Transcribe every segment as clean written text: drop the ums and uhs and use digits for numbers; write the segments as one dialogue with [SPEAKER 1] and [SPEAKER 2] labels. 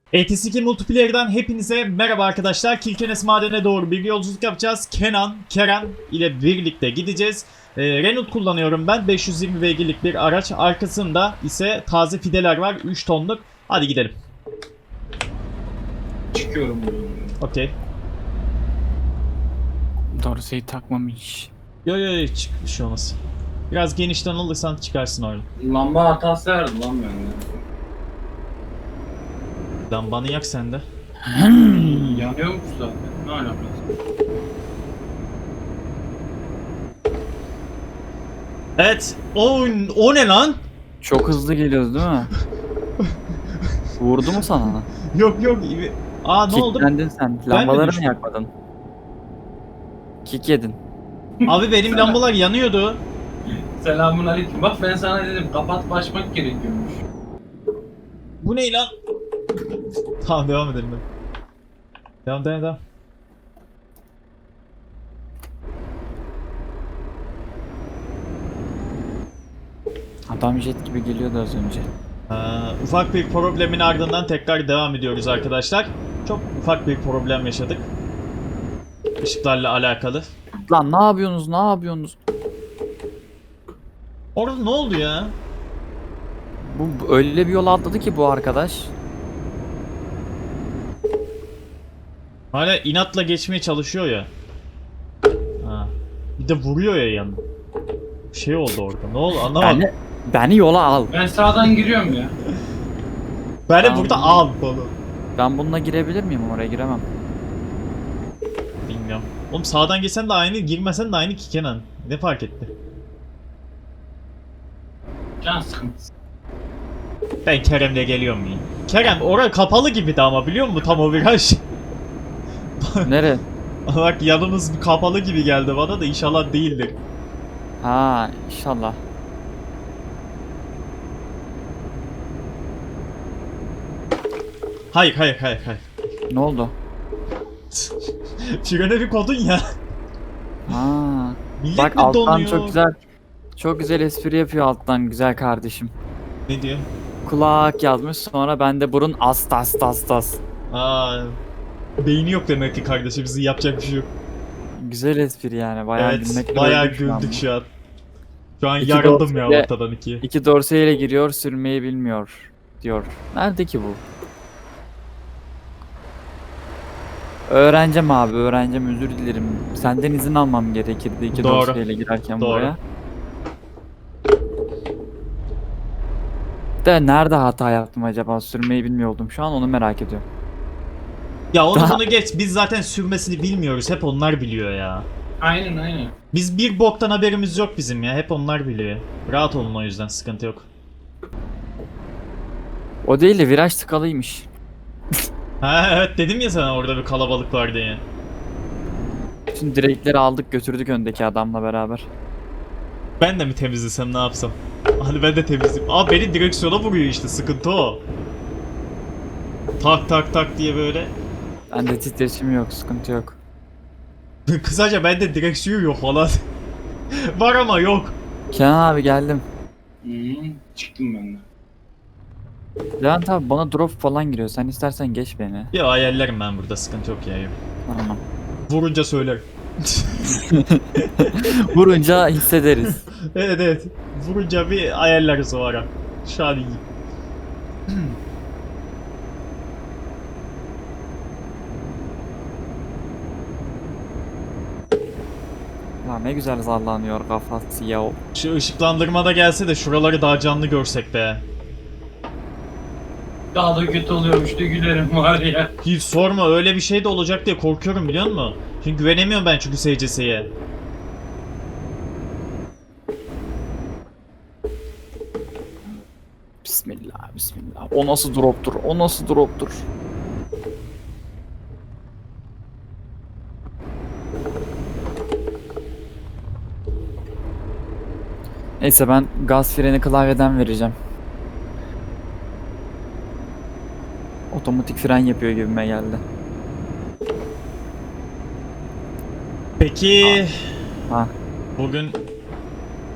[SPEAKER 1] ATS2 Multiplayer'dan hepinize merhaba arkadaşlar. Kirkenes Maden'e doğru bir yolculuk yapacağız. Kenan, Kerem ile birlikte gideceğiz. Renault kullanıyorum ben. 520 beygirlik bir araç. Arkasında ise taze fideler var. 3 tonluk. Hadi gidelim.
[SPEAKER 2] Çıkıyorum buradan.
[SPEAKER 1] Okey.
[SPEAKER 3] Dorseyi takmamış.
[SPEAKER 1] Yo çık, bir şey olmaz. Biraz genişten alırsan çıkarsın orada.
[SPEAKER 2] Lamba hatası verdi lan bende.
[SPEAKER 1] Lambanı yak sen de.
[SPEAKER 2] Yanıyormuş zaten. Ne alakası?
[SPEAKER 1] Evet. O ne lan?
[SPEAKER 3] Çok hızlı geliyoruz değil mi? Vurdu mu sana?
[SPEAKER 1] Yok. Aa ne oldu?
[SPEAKER 3] Kicklendin sen.
[SPEAKER 1] mi
[SPEAKER 3] Lambaları mı
[SPEAKER 1] düştüm?
[SPEAKER 3] yakmadın? Kick yedin.
[SPEAKER 1] Abi benim lambalar yanıyordu.
[SPEAKER 2] Selamun aleyküm. Bak ben sana dedim kapat başmak gerekiyormuş.
[SPEAKER 1] Bu ne lan? Tamam devam edelim. Devam.
[SPEAKER 3] Adam jet gibi geliyordu az önce.
[SPEAKER 1] Ufak bir problemin ardından tekrar devam ediyoruz arkadaşlar. Çok ufak bir problem yaşadık. Işıklarla alakalı.
[SPEAKER 3] Lan ne yapıyorsunuz? Ne yapıyorsunuz?
[SPEAKER 1] Orada ne oldu ya?
[SPEAKER 3] Bu öyle bir yol atladı ki bu arkadaş.
[SPEAKER 1] Hala inatla geçmeye çalışıyor ya. Ha. Bir de vuruyor ya yanına. Bir şey oldu orada. Ne oldu anlamadım.
[SPEAKER 3] Beni yola al.
[SPEAKER 2] Ben sağdan giriyorum ya.
[SPEAKER 1] Beni
[SPEAKER 3] Tamam.
[SPEAKER 1] burada al falan.
[SPEAKER 3] Ben bununla girebilir miyim? Oraya giremem.
[SPEAKER 1] Bilmiyorum. Oğlum sağdan geçsen de aynı, girmesen de aynı ki Kenan. Ne fark etti?
[SPEAKER 2] Can sıkıntısı.
[SPEAKER 1] Ben Kerem'le geliyorum ya. Kerem orası kapalı gibiydi ama biliyor musun tam o viraj?
[SPEAKER 3] Nere?
[SPEAKER 1] Bak yanımız bir kapalı gibi geldi bana da inşallah değildir.
[SPEAKER 3] Ha inşallah.
[SPEAKER 1] Hayır.
[SPEAKER 3] Ne oldu?
[SPEAKER 1] Frene bir kodun ya.
[SPEAKER 3] Ha.
[SPEAKER 1] Millet
[SPEAKER 3] Bak
[SPEAKER 1] mi
[SPEAKER 3] alttan
[SPEAKER 1] donuyor?
[SPEAKER 3] çok güzel espri yapıyor alttan güzel kardeşim.
[SPEAKER 1] Ne diyor?
[SPEAKER 3] Kulak yazmış sonra bende burun as.
[SPEAKER 1] Aa, beyni yok demek ki kardeşimizin yapacak bir şey yok.
[SPEAKER 3] Güzel espri yani bayağı
[SPEAKER 1] Evet
[SPEAKER 3] gülmekten
[SPEAKER 1] bayağı
[SPEAKER 3] öldük şu an.
[SPEAKER 1] güldük şu an. Şu an
[SPEAKER 3] İki
[SPEAKER 1] yarıldım ya
[SPEAKER 3] dorseyle-
[SPEAKER 1] ortadan ikiye.
[SPEAKER 3] İki dorseyle giriyor sürmeyi bilmiyor diyor. Nerede ki bu? Öğreneceğim abi öğreneceğim özür dilerim. Senden izin almam gerekirdi iki
[SPEAKER 1] Doğru.
[SPEAKER 3] dorseyle girerken
[SPEAKER 1] Doğru.
[SPEAKER 3] buraya. De nerede hata yaptım acaba sürmeyi bilmiyordum şu an onu merak ediyorum.
[SPEAKER 1] Ya onu
[SPEAKER 3] Daha-
[SPEAKER 1] bunu geç biz zaten sürmesini bilmiyoruz hep onlar biliyor ya.
[SPEAKER 2] Aynen.
[SPEAKER 1] Biz bir boktan haberimiz yok bizim ya hep onlar biliyor. Rahat olun o yüzden sıkıntı yok.
[SPEAKER 3] O değil de viraj tıkalıymış.
[SPEAKER 1] Ha evet dedim ya sana orada bir kalabalık var diye.
[SPEAKER 3] Bütün direkleri aldık götürdük öndeki adamla beraber.
[SPEAKER 1] Ben de mi temizlesem ne yapsam? Hadi ben de temizleyeyim. Aa beni direksiyona vuruyor işte sıkıntı o. Tak diye böyle.
[SPEAKER 3] Bende titreşim yok sıkıntı yok.
[SPEAKER 1] Kısaca bende direksiyon yok falan. Var ama yok.
[SPEAKER 3] Kenan abi geldim.
[SPEAKER 2] Çıktım ben de.
[SPEAKER 3] Levent abi bana drop falan giriyor. Sen istersen geç beni.
[SPEAKER 1] Ya ayarlarım ben burada sıkıntı yok ya. Yok.
[SPEAKER 3] Tamam.
[SPEAKER 1] Vurunca söylerim.
[SPEAKER 3] Vurunca hissederiz.
[SPEAKER 1] Evet. Vurunca bir ayarlarız o ara. Şu an iyi.
[SPEAKER 3] Lan ne güzel sallanıyor kafası ya.
[SPEAKER 1] Şu ışıklandırma da gelse de şuraları daha canlı görsek be.
[SPEAKER 2] Daha da kötü oluyormuş da gülerim var ya.
[SPEAKER 1] Hiç sorma öyle bir şey de olacak diye korkuyorum biliyor musun? Çünkü güvenemiyorum ben çünkü SCS'ye.
[SPEAKER 3] Bismillah. O nasıl droptur? O nasıl droptur? Neyse ben gaz freni klavyeden vereceğim. Otomatik fren yapıyor gibime geldi.
[SPEAKER 1] Peki
[SPEAKER 3] Ha.
[SPEAKER 1] bugün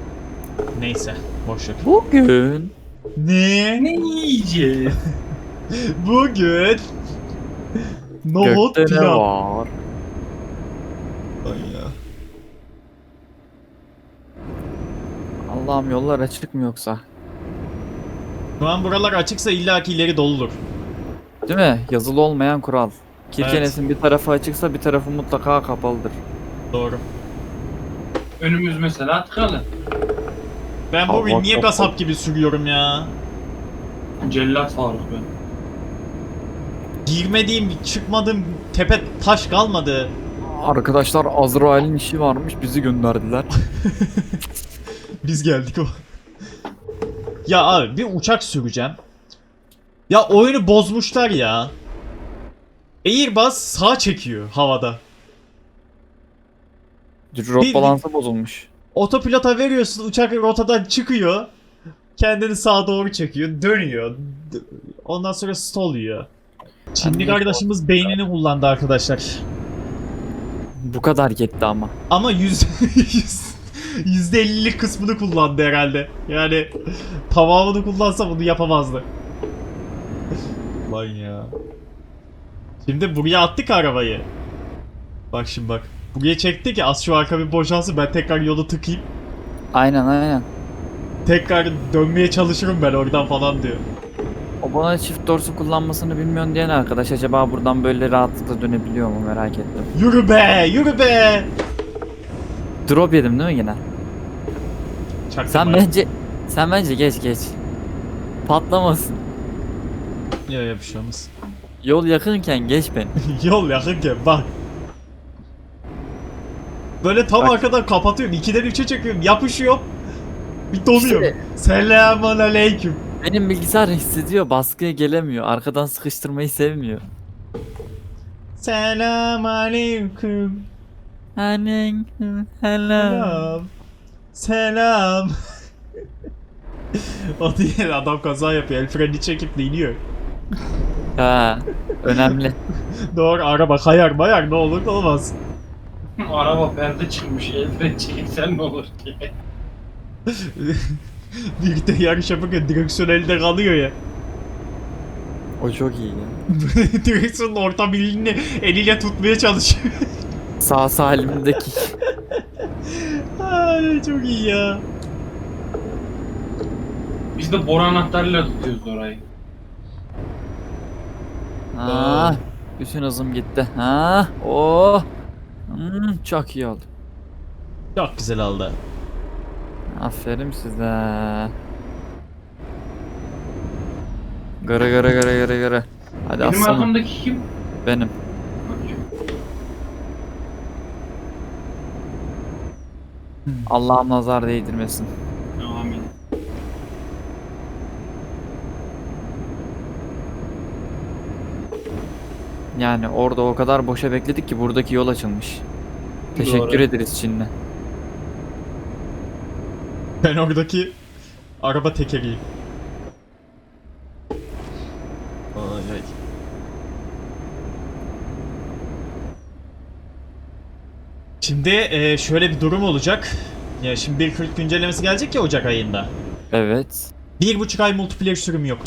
[SPEAKER 1] neyse boş ver.
[SPEAKER 3] Bugün
[SPEAKER 1] Ne?
[SPEAKER 2] Ne yiyeceğiz?
[SPEAKER 1] Bugün nohut
[SPEAKER 3] Gökte ne
[SPEAKER 1] pilav.
[SPEAKER 3] var?
[SPEAKER 1] Ay ya.
[SPEAKER 3] Allah'ım yollar açık mı yoksa?
[SPEAKER 1] Şu an buralar açıksa illaki ileri doludur.
[SPEAKER 3] Değil mi? Yazılı olmayan kural. Kirkenes'in bir tarafı açıksa bir tarafı mutlaka kapalıdır.
[SPEAKER 1] Doğru.
[SPEAKER 2] Önümüz mesela tıkalı.
[SPEAKER 1] Ben
[SPEAKER 3] Aa,
[SPEAKER 1] bugün
[SPEAKER 3] bak,
[SPEAKER 1] niye
[SPEAKER 3] bak,
[SPEAKER 1] kasap gibi sürüyorum ya?
[SPEAKER 2] Cellat Faruk ben.
[SPEAKER 1] Girmediğim, çıkmadığım tepe taş kalmadı.
[SPEAKER 3] Arkadaşlar Azrail'in işi varmış bizi gönderdiler.
[SPEAKER 1] Biz geldik o. Ya abi bir uçak süreceğim. Ya oyunu bozmuşlar ya. Airbus sağ çekiyor havada.
[SPEAKER 3] Rot balansı bozulmuş.
[SPEAKER 1] Otopilota veriyorsun, uçak rotadan çıkıyor. Kendini sağa doğru çekiyor, dönüyor. Ondan sonra stall yiyor. Çinli
[SPEAKER 3] niye
[SPEAKER 1] kardeşimiz beynini kullandı arkadaşlar.
[SPEAKER 3] Bu kadar yetti ama.
[SPEAKER 1] Ama %50'lik kısmını kullandı herhalde. Yani tamamını kullansa bunu yapamazdı. Lan ya. Şimdi buraya attık arabayı. Bak şimdi bak. Buraya çekti ki az şu arka bir boşalsın, ben tekrar yolu tıkayım.
[SPEAKER 3] Aynen.
[SPEAKER 1] Tekrar dönmeye çalışırım ben oradan falan diyor.
[SPEAKER 3] O bana çift dorsu kullanmasını bilmiyorsun diyen arkadaş acaba buradan böyle rahatlıkla dönebiliyor mu merak ettim.
[SPEAKER 1] Yürü be, yürü be.
[SPEAKER 3] Drop yedim değil mi yine?
[SPEAKER 1] Çaktırma.
[SPEAKER 3] Sen bence geç. Patlamasın.
[SPEAKER 1] Ya bir şey olmaz.
[SPEAKER 3] Yol yakınken geç beni.
[SPEAKER 1] Yol yakınken bak. Böyle tam
[SPEAKER 3] Bak.
[SPEAKER 1] arkadan kapatıyorum. 2'den 3'e çekiyorum. Yapışıyor. Bir donuyorum.
[SPEAKER 3] İşte-
[SPEAKER 1] Selamun aleyküm.
[SPEAKER 3] Benim bilgisayar hissediyor baskıya gelemiyor. Arkadan sıkıştırmayı sevmiyor.
[SPEAKER 1] Selam aleyküm.
[SPEAKER 3] Hello.
[SPEAKER 1] Selam. Selam. O diye adam kaza yapıyor. El freni çekip de iniyor.
[SPEAKER 3] Ha, önemli.
[SPEAKER 1] Doğru, araba kayar mayar ne olur ne olmaz.
[SPEAKER 2] Araba perde çıkmış. El fren çekilsen ne olur diye.
[SPEAKER 1] Birlikte yarış yaparken direksiyon elde kalıyor ya.
[SPEAKER 3] O çok iyi ya.
[SPEAKER 1] Direksiyonun orta bilini eliyle tutmaya çalışıyor.
[SPEAKER 3] Sağ salimdeki.
[SPEAKER 1] Ay çok iyi ya.
[SPEAKER 2] Biz de boru anahtarıyla tutuyoruz orayı.
[SPEAKER 3] Ha, bütün hızım gitti. Ha, oh. Çok iyi oldu.
[SPEAKER 1] Çok güzel oldu.
[SPEAKER 3] Aferin size. Gara. Hadi
[SPEAKER 2] Benim
[SPEAKER 3] aslanım.
[SPEAKER 2] arkamdaki kim?
[SPEAKER 3] Benim. Allah'ım nazar değdirmesin.
[SPEAKER 2] Amin.
[SPEAKER 3] Yani orada o kadar boşa bekledik ki buradaki yol açılmış. Teşekkür
[SPEAKER 2] Doğru.
[SPEAKER 3] ederiz Çin'le.
[SPEAKER 1] Ben oradaki araba tekeriyim. Ay. Şimdi şöyle bir durum olacak. Ya şimdi 1.40 güncellemesi gelecek ya Ocak ayında.
[SPEAKER 3] Evet.
[SPEAKER 1] 1,5 ay multiplayer sürümü yok.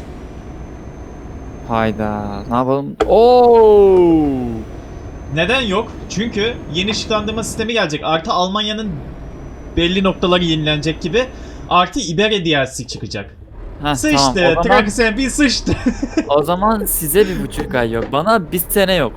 [SPEAKER 3] Hayda. Ne yapalım? Oo!
[SPEAKER 1] Neden yok? Çünkü yeni ışıklandırma sistemi gelecek. Artı Almanya'nın belli noktaları yenilenecek gibi. Artı Iberia DLC çıkacak.
[SPEAKER 3] Heh,
[SPEAKER 1] Sıçtı.
[SPEAKER 3] tamam.
[SPEAKER 1] Traxxen bir sıçtı.
[SPEAKER 3] O zaman size 1,5 ay yok. Bana 1 sene yok.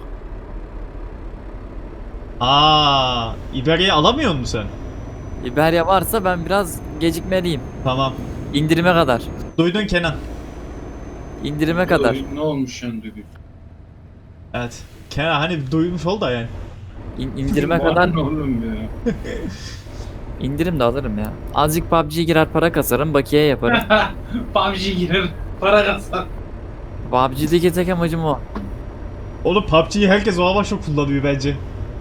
[SPEAKER 1] Aa, Iberia'yı alamıyor musun sen?
[SPEAKER 3] Iberia varsa ben biraz gecikmeliyim.
[SPEAKER 1] Tamam.
[SPEAKER 3] İndirime kadar.
[SPEAKER 1] Duydun Kenan.
[SPEAKER 3] İndirime kadar.
[SPEAKER 2] Ne olmuş yani duygu?
[SPEAKER 1] Evet. Kenan hani duymuş ol da yani.
[SPEAKER 3] İndirime kadar
[SPEAKER 2] Ne oğlum ya?
[SPEAKER 3] indirim de alırım ya. Azıcık PUBG'ye girer para kasarım, bakiye yaparım.
[SPEAKER 2] PUBG girer. Para kazan.
[SPEAKER 3] PUBG'deki tek amacım o.
[SPEAKER 1] Oğlum PUBG'yi herkes o amaçla kullanıyor bence.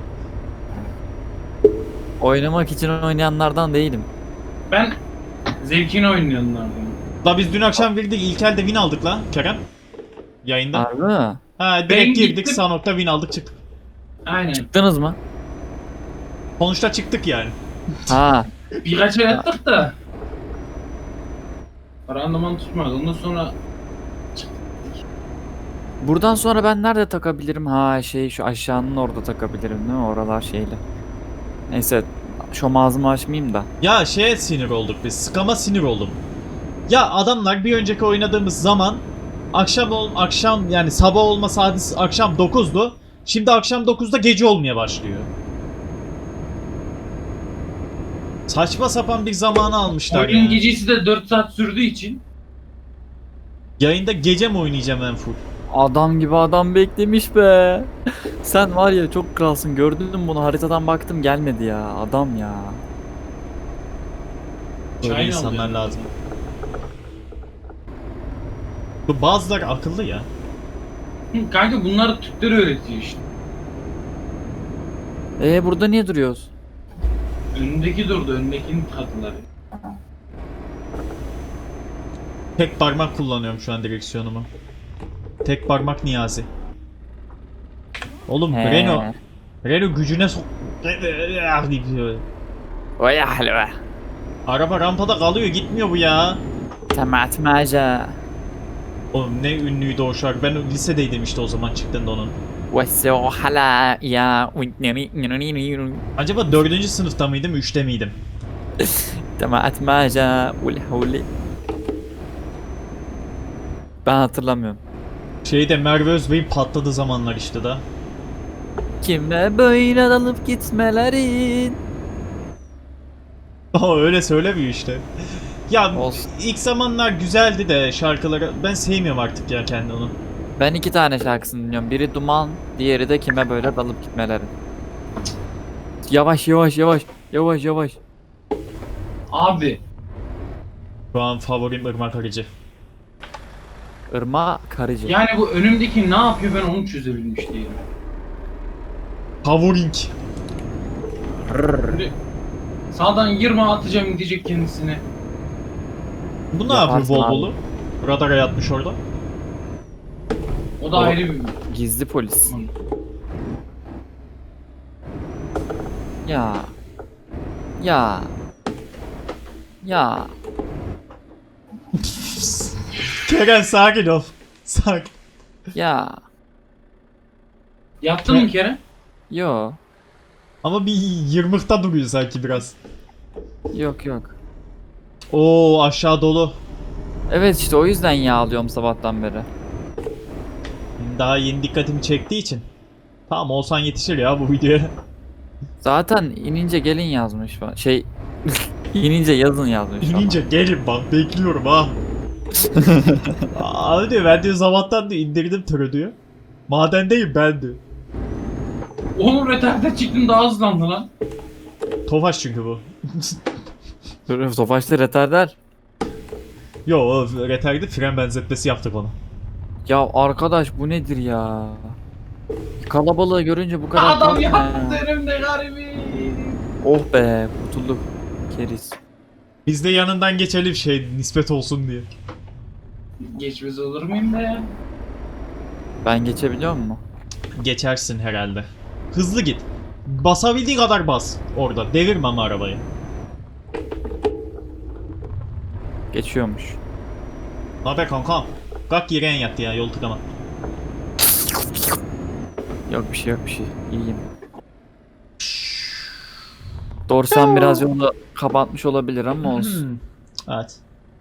[SPEAKER 3] Oynamak için oynayanlardan değilim.
[SPEAKER 2] Ben zevkini oynayanlardan.
[SPEAKER 1] La biz dün akşam girdik, ilk elde win aldık la Kerem. Yayında.
[SPEAKER 3] Harbi mi?
[SPEAKER 1] Ha direkt
[SPEAKER 2] Ben
[SPEAKER 1] girdik,
[SPEAKER 2] gittim.
[SPEAKER 1] sağ nokta win aldık çıktık.
[SPEAKER 2] Aynen.
[SPEAKER 3] Çıktınız mı?
[SPEAKER 1] Sonuçta çıktık yani.
[SPEAKER 3] Ha.
[SPEAKER 2] Birkaç el attık da. Randıman tutmadı. Ondan sonra
[SPEAKER 3] Buradan sonra ben nerede takabilirim? Ha şey şu aşağının orada takabilirim değil mi? Oralar şeyle. Neyse şu ağzımı açmayayım da.
[SPEAKER 1] Ya şeye sinir olduk biz. Scam'a sinir oldum. Ya adamlar bir önceki oynadığımız zaman akşam yani sabah olma saati akşam 9'du. Şimdi akşam 9'da gece olmaya başlıyor. Saçma sapan bir zamanı almışlar
[SPEAKER 2] Oyunun
[SPEAKER 1] ya.
[SPEAKER 2] gecesi de 4 saat sürdüğü için.
[SPEAKER 1] Yayında gece mi oynayacağım en full?
[SPEAKER 3] Adam gibi adam beklemiş be. Sen var ya çok kralsın. Gördün mü bunu? Haritadan baktım gelmedi ya. Adam ya.
[SPEAKER 1] Böyle
[SPEAKER 2] Çayını
[SPEAKER 1] insanlar
[SPEAKER 2] alıyor.
[SPEAKER 1] lazım. Bu bazıları akıllı ya.
[SPEAKER 2] Kanka bunlar Türkleri öğretiyor işte.
[SPEAKER 3] Burada niye duruyoruz?
[SPEAKER 2] Önündeki durdu, önündekinin kadınları.
[SPEAKER 1] Tek parmak kullanıyorum şu an direksiyonumu. Tek parmak Niyazi. Oğlum
[SPEAKER 3] He.
[SPEAKER 1] Renault gücüne sok...
[SPEAKER 3] Vay halve.
[SPEAKER 1] Araba rampada kalıyor, gitmiyor bu ya.
[SPEAKER 3] Tematmaca.
[SPEAKER 1] Oğlum ne ünlüydü o şarkı. Ben lisedeydim işte o zaman çıktığında onun.
[SPEAKER 3] Veso hala ya.
[SPEAKER 1] Acaba 4. sınıfta mıydım, 3'te miydim?
[SPEAKER 3] Tematmaca. Ulhuli. Ben hatırlamıyorum.
[SPEAKER 1] Şeyde Merve Özbey'in patladığı zamanlar işte da.
[SPEAKER 3] Kime böyle dalıp gitmelerin.
[SPEAKER 1] Aa öyle söylemiyor işte. Ya
[SPEAKER 3] Olsun.
[SPEAKER 1] ilk zamanlar güzeldi de şarkıları. Ben sevmiyorum artık ya kendi onu.
[SPEAKER 3] Ben iki tane şarkısını dinliyorum. Biri Duman, diğeri de Kime Böyle Dalıp Gitmelerin. Yavaş yavaş yavaş. Yavaş yavaş.
[SPEAKER 2] Abi
[SPEAKER 1] Şu an favorim Irmak Arıcı.
[SPEAKER 3] Irma Karıcı.
[SPEAKER 2] yani bu önümdeki ne yapıyor ben onu çözebilmiş değilim.
[SPEAKER 1] Favoring.
[SPEAKER 2] Şimdi sağdan 20 atacağım gidecek kendisine.
[SPEAKER 1] Bu ne yapıyor
[SPEAKER 3] Yaparsın
[SPEAKER 1] bol
[SPEAKER 3] abi.
[SPEAKER 1] bolu? Radara yatmış orada.
[SPEAKER 2] O da
[SPEAKER 3] O-
[SPEAKER 2] ayrı bir...
[SPEAKER 3] Gizli polis. Ya. Ya. Ya.
[SPEAKER 1] Kerem sakin ol. Sakin.
[SPEAKER 3] Ya.
[SPEAKER 2] Yaptın mı Kerem?
[SPEAKER 3] Yo.
[SPEAKER 1] Ama bir yırmıkta duruyor sanki biraz.
[SPEAKER 3] Yok yok.
[SPEAKER 1] Oo aşağı dolu.
[SPEAKER 3] Evet işte o yüzden yağlıyorum sabahtan beri.
[SPEAKER 1] Daha yeni dikkatimi çektiği için. Tamam olsan yetişir ya bu videoya.
[SPEAKER 3] Zaten inince gelin yazmış falan. Şey inince yazın yazmış falan.
[SPEAKER 1] İnince gelin bak bekliyorum ha. Abi diyor ben diyor zamandan diyor indirdim tırı diyor. Madendeyim ben diyor.
[SPEAKER 2] Oğlum retarded çıktın daha hızlandı lan.
[SPEAKER 1] Tofaş çünkü bu.
[SPEAKER 3] Tofaş'ta retarder.
[SPEAKER 1] Yo o retardı fren benzetmesi yaptık ona.
[SPEAKER 3] Ya arkadaş bu nedir ya? Kalabalığı görünce bu kadar
[SPEAKER 2] Adam
[SPEAKER 3] korkma ya.
[SPEAKER 2] yaptı önümde garibi.
[SPEAKER 3] Oh be kurtulduk. Keriz.
[SPEAKER 1] Biz de yanından geçelim şey nispet olsun diye.
[SPEAKER 2] Geçmez olur muyum be ya?
[SPEAKER 3] Ben geçebiliyor muyum?
[SPEAKER 1] Geçersin herhalde. Hızlı git. Basabildiği kadar bas orada. Devirme ama arabayı.
[SPEAKER 3] Geçiyormuş.
[SPEAKER 1] Haber kanka. Kalk yere yattı ya yol tıkama.
[SPEAKER 3] Yok bir şey yok bir şey. İyiyim. Dorsan biraz yolu kapatmış olabilir ama olsun.
[SPEAKER 1] Evet.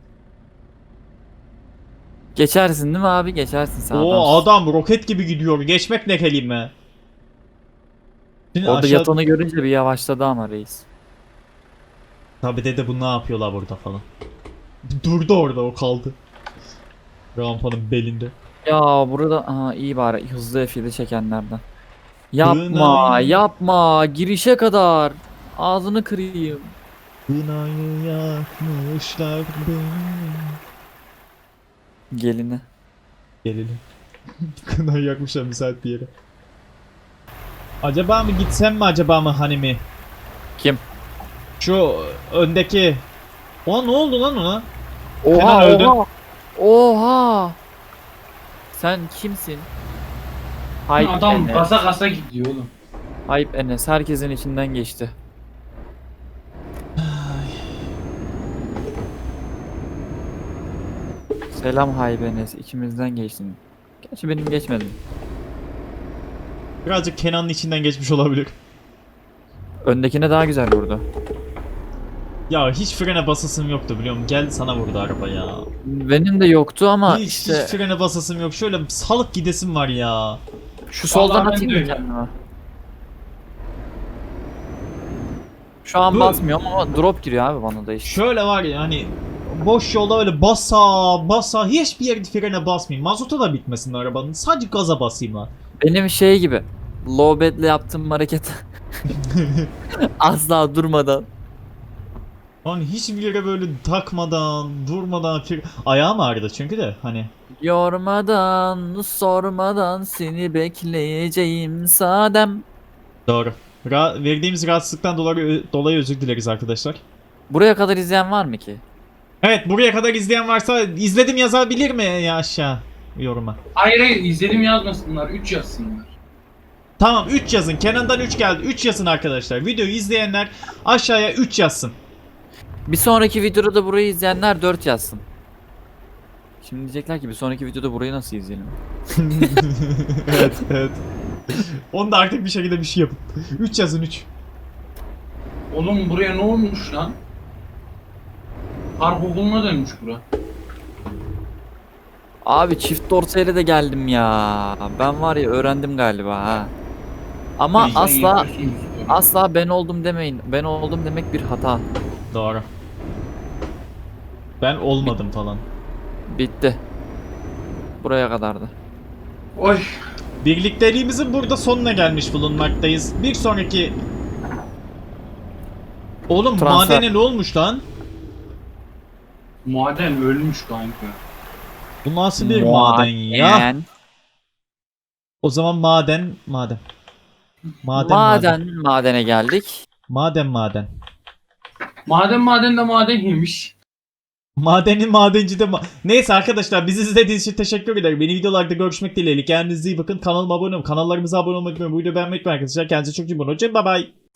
[SPEAKER 3] Geçersin değil mi abi? Geçersin sen
[SPEAKER 1] O
[SPEAKER 3] adamsın.
[SPEAKER 1] adam roket gibi gidiyor. Geçmek ne kelime. Şimdi
[SPEAKER 3] Orada
[SPEAKER 1] aşağı...
[SPEAKER 3] yatanı görünce bir yavaşladı ama reis.
[SPEAKER 1] Tabi dede bu ne yapıyorlar burada falan. Durdu orada o kaldı. Rampanın belinde.
[SPEAKER 3] Ya burada aha, iyi bari hızlı F7 çekenlerden. Yapma
[SPEAKER 1] Kınayı-
[SPEAKER 3] yapma girişe kadar. Ağzını kırayım.
[SPEAKER 1] Kınayı yakmışlar beni.
[SPEAKER 3] Gelini.
[SPEAKER 1] Gelelim. Kınayı yakmışlar müsait bir yere. Acaba mı gitsem mi acaba mı hani mi?
[SPEAKER 3] Kim?
[SPEAKER 1] Şu öndeki... O ne oldu lan ona?
[SPEAKER 3] Oha
[SPEAKER 1] Kenan öldü.
[SPEAKER 3] oha. Oha. Sen kimsin? Hype
[SPEAKER 2] Adam
[SPEAKER 3] Enes.
[SPEAKER 2] kasa kasa gidiyor oğlum.
[SPEAKER 3] Hype Enes herkesin içinden geçti. Selam Hype Enes ikimizden geçtin. Gerçi benim geçmedi.
[SPEAKER 1] Birazcık Kenan'ın içinden geçmiş olabilir.
[SPEAKER 3] Öndekine daha güzel vurdu.
[SPEAKER 1] Ya hiç frene basasım yoktu biliyor musun? Gel sana vurdu araba ya.
[SPEAKER 3] Benim de yoktu ama
[SPEAKER 1] Hiç
[SPEAKER 3] işte
[SPEAKER 1] frene basasım yok. Şöyle salık gidesim var ya.
[SPEAKER 3] şu soldan
[SPEAKER 2] Vallahi ben
[SPEAKER 3] atayım
[SPEAKER 2] de
[SPEAKER 3] mı
[SPEAKER 2] öyle.
[SPEAKER 3] kendime? Şu an
[SPEAKER 1] Dur.
[SPEAKER 3] basmıyor ama drop giriyor abi bana da işte.
[SPEAKER 1] Şöyle var ya hani boş yolda öyle basa hiçbir yerde frene basmayayım. Mazota da bitmesin arabanın. Sadece gaza basayım lan.
[SPEAKER 3] Benim şey gibi. Low bed'le yaptığım hareket. Asla durmadan.
[SPEAKER 1] Hani hiçbir yere böyle takmadan, durmadan ayağım ağrıdı çünkü de hani.
[SPEAKER 3] Yormadan, sormadan seni bekleyeceğim sadem.
[SPEAKER 1] Doğru. Verdiğimiz rahatsızlıktan dolayı özür dileriz arkadaşlar.
[SPEAKER 3] Buraya kadar izleyen var mı ki?
[SPEAKER 1] Evet, buraya kadar izleyen varsa izledim yazabilir mi ya aşağı yoruma?
[SPEAKER 2] Hayır hayır izledim yazmasınlar. 3 yazsınlar.
[SPEAKER 1] Tamam 3 yazın. Kenan'dan 3 geldi. 3 yazın arkadaşlar. Videoyu izleyenler aşağıya 3 yazsın.
[SPEAKER 3] Bir sonraki videoda da burayı izleyenler 4 yazsın. Şimdi diyecekler ki bir sonraki videoda burayı nasıl izleyelim?
[SPEAKER 1] Evet evet. Onu da artık bir şekilde bir şey yapın. 3 yazın 3.
[SPEAKER 2] Oğlum buraya ne olmuş lan? Harp okuluna dönmüş bura.
[SPEAKER 3] Abi çift dorsayla de geldim ya. Ben var ya öğrendim galiba ha. Ama
[SPEAKER 2] Sen
[SPEAKER 3] asla
[SPEAKER 2] yapıyorsun bu sporu.
[SPEAKER 3] asla ben oldum demeyin. Ben oldum demek bir hata.
[SPEAKER 1] Doğru. Ben olmadım falan.
[SPEAKER 3] Bitti. Buraya kadardı.
[SPEAKER 2] Oy.
[SPEAKER 1] Birlikteliğimizin burada sonuna gelmiş bulunmaktayız. Bir sonraki... Oğlum
[SPEAKER 3] Transfer.
[SPEAKER 1] madene ne olmuş lan?
[SPEAKER 2] Maden ölmüş kanka.
[SPEAKER 1] Bu nasıl bir maden ya?
[SPEAKER 3] Maden.
[SPEAKER 1] O zaman maden. Maden
[SPEAKER 3] Madene geldik.
[SPEAKER 1] Maden.
[SPEAKER 2] Maden de maden yemiş.
[SPEAKER 1] Madenin madenci de Neyse arkadaşlar bizi izlediğiniz için teşekkür ederim. Yeni videolarda görüşmek dileğiyle. Kendinize iyi bakın. Kanalıma abone olun. Kanallarımıza abone olmayı unutmayın. Bu videoyu beğenmeyi unutmayın arkadaşlar. Kendinize çok iyi bakın. Hoşçakalın. Bye bye.